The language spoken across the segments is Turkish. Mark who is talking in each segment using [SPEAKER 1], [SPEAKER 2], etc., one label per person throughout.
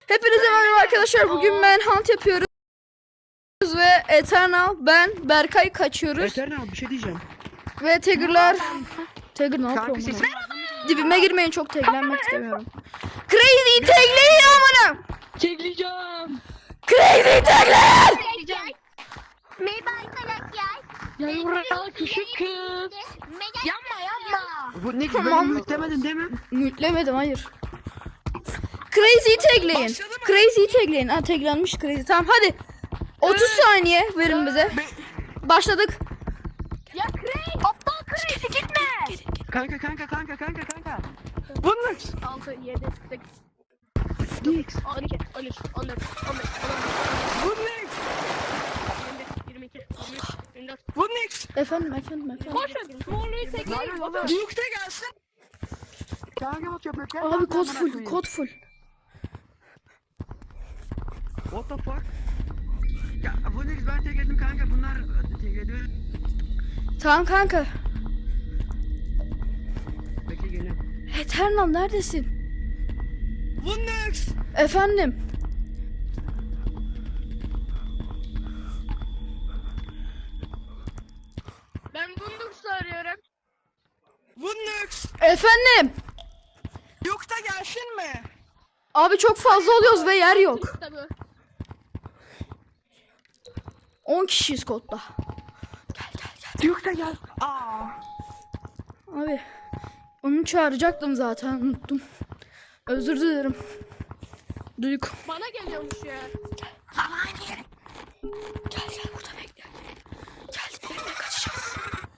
[SPEAKER 1] Hepinize merhaba arkadaşlar. Bugün Manhunt yapıyoruz ve Eternal, ben, Berkay kaçıyoruz.
[SPEAKER 2] Eternal bir şey diyeceğim.
[SPEAKER 1] Ve Tiger'lar... Tiger ne
[SPEAKER 2] Kanka
[SPEAKER 1] yapıyor
[SPEAKER 2] ses...
[SPEAKER 1] amına? Dibime girmeyin, çok taglenmek istemiyorum. Crazy tagleyin amına!
[SPEAKER 3] Çekleyeceğim.
[SPEAKER 1] Crazy tagleyin!
[SPEAKER 3] Çekleyeceğim.
[SPEAKER 4] Merhaba arkadaşlar.
[SPEAKER 3] Ya Yurra küçük kız. Yapma.
[SPEAKER 2] Bu ne
[SPEAKER 1] Tamam.
[SPEAKER 2] böyle yüklemedin değil mi?
[SPEAKER 1] Mutlemedim, hayır. Crazy tagleyin. Crazy tagleyin. Ha, taglenmiş Crazy. Tamam hadi. 30 saniye verin bize. Başladık.
[SPEAKER 3] Ya Craig. Aptal Craig gitme.
[SPEAKER 2] Kanka. Bunlar.
[SPEAKER 3] 6, 7, 8,
[SPEAKER 2] Nix.
[SPEAKER 3] 12, 13, 14, 15, 16,
[SPEAKER 2] Bu Nix.
[SPEAKER 3] 21, 22, 23, 24.
[SPEAKER 2] Bu Nix.
[SPEAKER 1] Efendim.
[SPEAKER 3] Koşun. Morluyu tekleyin.
[SPEAKER 2] Yükte gelsin. Kanka bak yapıyor.
[SPEAKER 1] Abi kod full, kod full.
[SPEAKER 2] What the fuck? Ya bu Nix ben tek ettim kanka. Bunlar tek ediyor.
[SPEAKER 1] Tamam kanka.
[SPEAKER 2] Bekle geliyorum.
[SPEAKER 1] Eternal neredesin?
[SPEAKER 2] Bu Nix.
[SPEAKER 1] Efendim.
[SPEAKER 3] Ben Bundurs'u arıyorum.
[SPEAKER 2] Bu Nix.
[SPEAKER 1] Efendim.
[SPEAKER 2] Yükte gelsin mi?
[SPEAKER 1] Abi çok fazla oluyoruz ve yer yok.
[SPEAKER 3] Tabii.
[SPEAKER 1] 10 kişiyiz kodda.
[SPEAKER 2] Yükte gel. Aa.
[SPEAKER 1] Abi onu çağıracaktım zaten, unuttum. Özür dilerim. Duygu.
[SPEAKER 3] Bana geliyormuş ya.
[SPEAKER 1] Gel burada bekle. Gel nereye kaçacağız?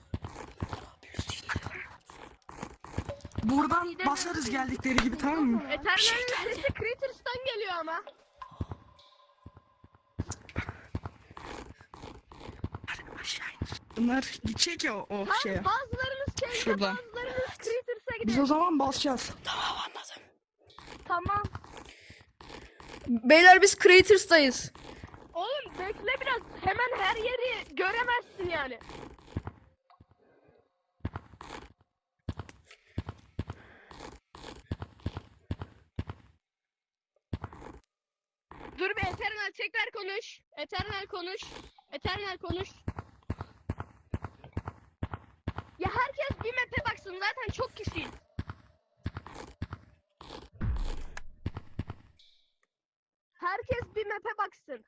[SPEAKER 2] Buradan basarız geldikleri gibi, tamam mı?
[SPEAKER 3] Eternal'in sesi Craters'tan geliyor ama.
[SPEAKER 2] Bunlar gidecek ya o şeye.
[SPEAKER 3] Bazılarınız Cave'de,
[SPEAKER 2] Şuradan.
[SPEAKER 3] bazılarınız Craters'a
[SPEAKER 2] Biz
[SPEAKER 3] gidiyor.
[SPEAKER 2] o zaman basacağız.
[SPEAKER 1] Tamam, anladım.
[SPEAKER 3] Tamam.
[SPEAKER 1] Beyler biz Craters'tayız.
[SPEAKER 3] Oğlum bekle biraz. Hemen her yeri göremezsin yani. Dur bir Eternal tekrar konuş. Eternal konuş. Eternal konuş. Ya herkes bir map'e baksın, zaten çok kişiyiz. Herkes bir map'e baksın.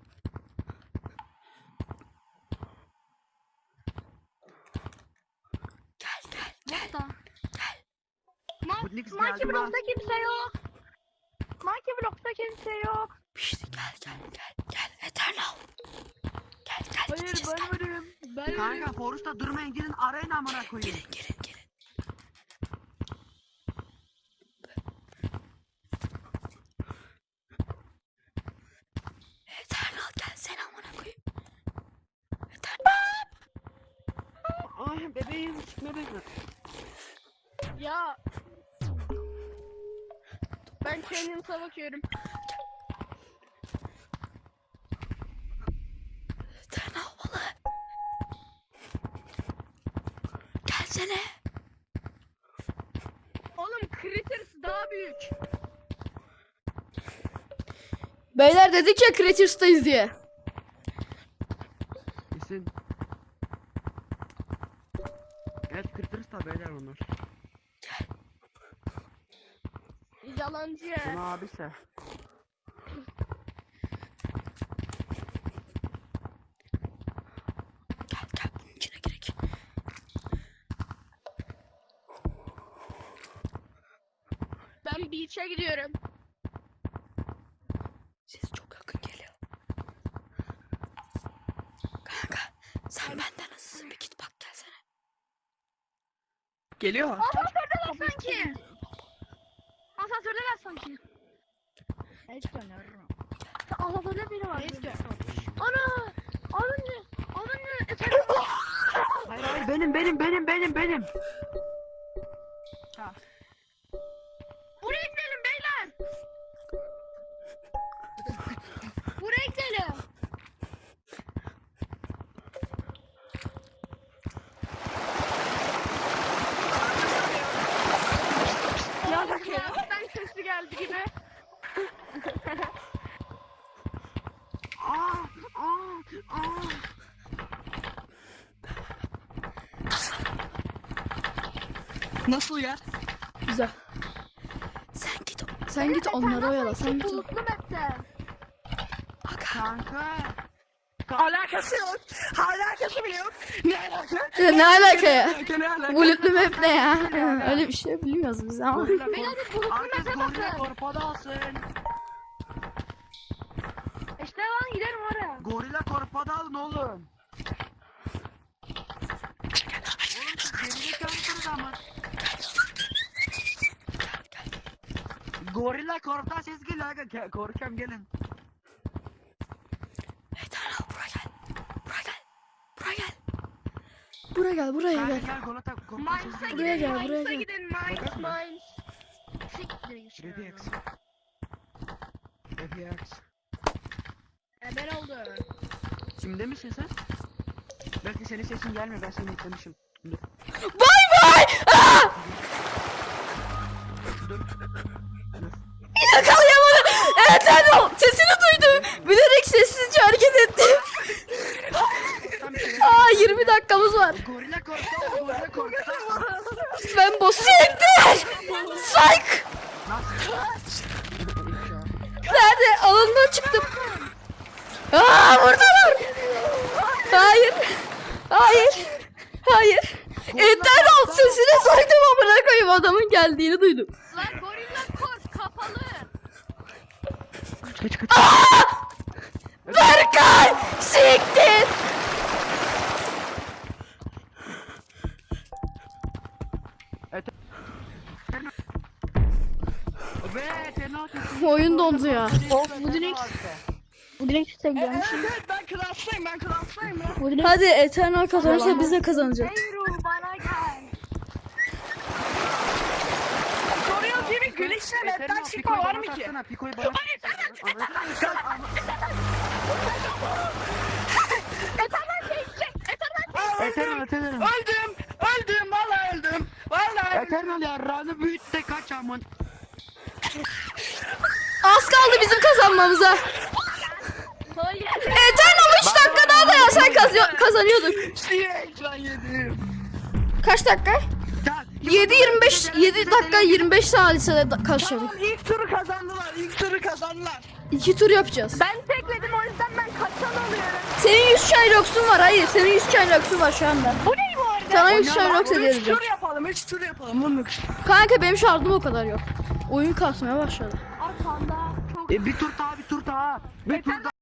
[SPEAKER 1] Gel.
[SPEAKER 2] Bu Nix
[SPEAKER 3] Monkey
[SPEAKER 2] geldi lan.
[SPEAKER 3] Block'ta kimse yok. Monkey Block'ta kimse yok.
[SPEAKER 1] İşte gel Eternal. Gel
[SPEAKER 3] Hayır
[SPEAKER 1] gideceğiz,
[SPEAKER 3] ben
[SPEAKER 1] gel.
[SPEAKER 3] varım. Ben varım.
[SPEAKER 2] Kanka Forrest'ta durmayın, gidin arayın amına koyayım.
[SPEAKER 1] Gelin. Eternal gelsene amına koyayım. Eternal.
[SPEAKER 2] Ay bebeğim çıkma beni.
[SPEAKER 3] Ya. Ben Canyon'sa bakıyorum.
[SPEAKER 1] Eternal balığı. Gelsene.
[SPEAKER 3] Oğlum Critters daha büyük.
[SPEAKER 1] Beyler dedik ya Craters'tayız diye.
[SPEAKER 2] Kesin. Evet kırtırız da beyler onlar.
[SPEAKER 3] Yalancı ya.
[SPEAKER 2] Buna abise.
[SPEAKER 1] Gel bunun içine girek.
[SPEAKER 3] Ben beach'e gidiyorum.
[SPEAKER 1] Ses çok yakın geliyor. Kanka sen benden hızlısın, bir git bak gelsene.
[SPEAKER 2] Geliyor.
[SPEAKER 3] Asansördeler sanki. Asansördeler sanki. Asansörde biri var. Ana! Ananı!
[SPEAKER 2] Hayır benim. Ha.
[SPEAKER 3] Buraya gidelim beyler. Buraya gidelim. Ya, ben sesli geldi gibi.
[SPEAKER 2] Nasıl yer?
[SPEAKER 1] Güzel. Sen git onları oyala. Sen git.
[SPEAKER 3] Bulutlu map'te.
[SPEAKER 2] Kanka. Alakası yok. Alakası bile yok. Ne alaka?
[SPEAKER 1] Ya ne alaka ya?
[SPEAKER 2] Ne alaka?
[SPEAKER 1] Bulutlu map ne ya? Öyle bir şey bilmiyoruz biz ama.
[SPEAKER 2] Gorilla
[SPEAKER 3] Beyler bir bulutlu
[SPEAKER 2] Herkes
[SPEAKER 3] map'e
[SPEAKER 2] gorilla
[SPEAKER 3] bakın.
[SPEAKER 2] korpada alsın.
[SPEAKER 3] İşte lan gidelim oraya.
[SPEAKER 2] Gorilla korpada alın oğlum. Oğlum siz gerizekalısınız ama. Gorilla korptan ses geliyor aga. Korkuyorum gelin.
[SPEAKER 1] Buraya gel. Buraya
[SPEAKER 2] Gel
[SPEAKER 1] gel.
[SPEAKER 2] gel korptan
[SPEAKER 3] Mines'a
[SPEAKER 2] ses
[SPEAKER 1] Buraya
[SPEAKER 3] gidin,
[SPEAKER 1] gel, buraya
[SPEAKER 3] Mines'a
[SPEAKER 1] gel.
[SPEAKER 3] gidin, Mines,
[SPEAKER 2] Bakın mı?
[SPEAKER 3] Mines. Siktir
[SPEAKER 2] geliyor.
[SPEAKER 3] işte.
[SPEAKER 2] FX.
[SPEAKER 3] Ben oldu.
[SPEAKER 2] Kimde misin sen? Belki senin sesin gelmiyor, ben seni eklemişim. Dur.
[SPEAKER 1] Bay bay. Aa!
[SPEAKER 2] Dur.
[SPEAKER 1] Yakalayamadım. Evet Erol. Sesini duydum. Bilerek sessizce hareket ettim.
[SPEAKER 2] Tam bir şey-
[SPEAKER 1] Aa 20 dakikamız var.
[SPEAKER 2] Gorilla korktu, gorilla korktu.
[SPEAKER 1] Ben boss'u yektim. Psych. Nerede? Alanından çıktım. Aa buradalar. Hayır. Hayır. Hayır. Eternal sesine soydum amına koyayım, adamın geldiğini duydum.
[SPEAKER 3] Lan gorilla kort kapalı.
[SPEAKER 2] Kaç kaç.
[SPEAKER 1] Berkay! Siktir!
[SPEAKER 2] Ve Tenal
[SPEAKER 1] Oyun dondu ya.
[SPEAKER 3] Of, bu direkt- Bu direkt üstte gidiyormuş.
[SPEAKER 2] Evet ben klastayım ya.
[SPEAKER 3] Bu direkt...
[SPEAKER 1] Hadi Eternal kazanırsa biz de kazanacağız.
[SPEAKER 3] Eyru bana gel.
[SPEAKER 2] Soruyor gibi gülüşle netten çıkma var mı ki? Piko'yu bana Eternal. Öldüm vallahi öldüm. Vallahi. Eternal yarrağını büyüt de kaç amın.
[SPEAKER 1] Az kaldı bizim kazanmamıza.
[SPEAKER 3] Hayır.
[SPEAKER 1] Eternal 3 dakika daha dayansan kazanıyorduk.
[SPEAKER 2] Ekran yedim.
[SPEAKER 1] Kaç dakika? 7 dakika 25 saniye kaçıyorduk.
[SPEAKER 2] İlk turu kazandılar.
[SPEAKER 1] 2 tur yapacağız.
[SPEAKER 3] Ben tekledim, o yüzden ben kaçan oluyorum.
[SPEAKER 1] Senin 100 Shylock'sun var. Hayır, senin 100 Shylock'sun var şu anda.
[SPEAKER 3] Bu ne bu arada?
[SPEAKER 1] Sana 100 Shylock edeceğim.
[SPEAKER 2] Üç tur yapalım bunluk.
[SPEAKER 1] Kanka benim şarjım o kadar yok. Oyun kasmaya başladı.
[SPEAKER 3] Arkanda çok...
[SPEAKER 2] Bir tur daha. Bir tur daha.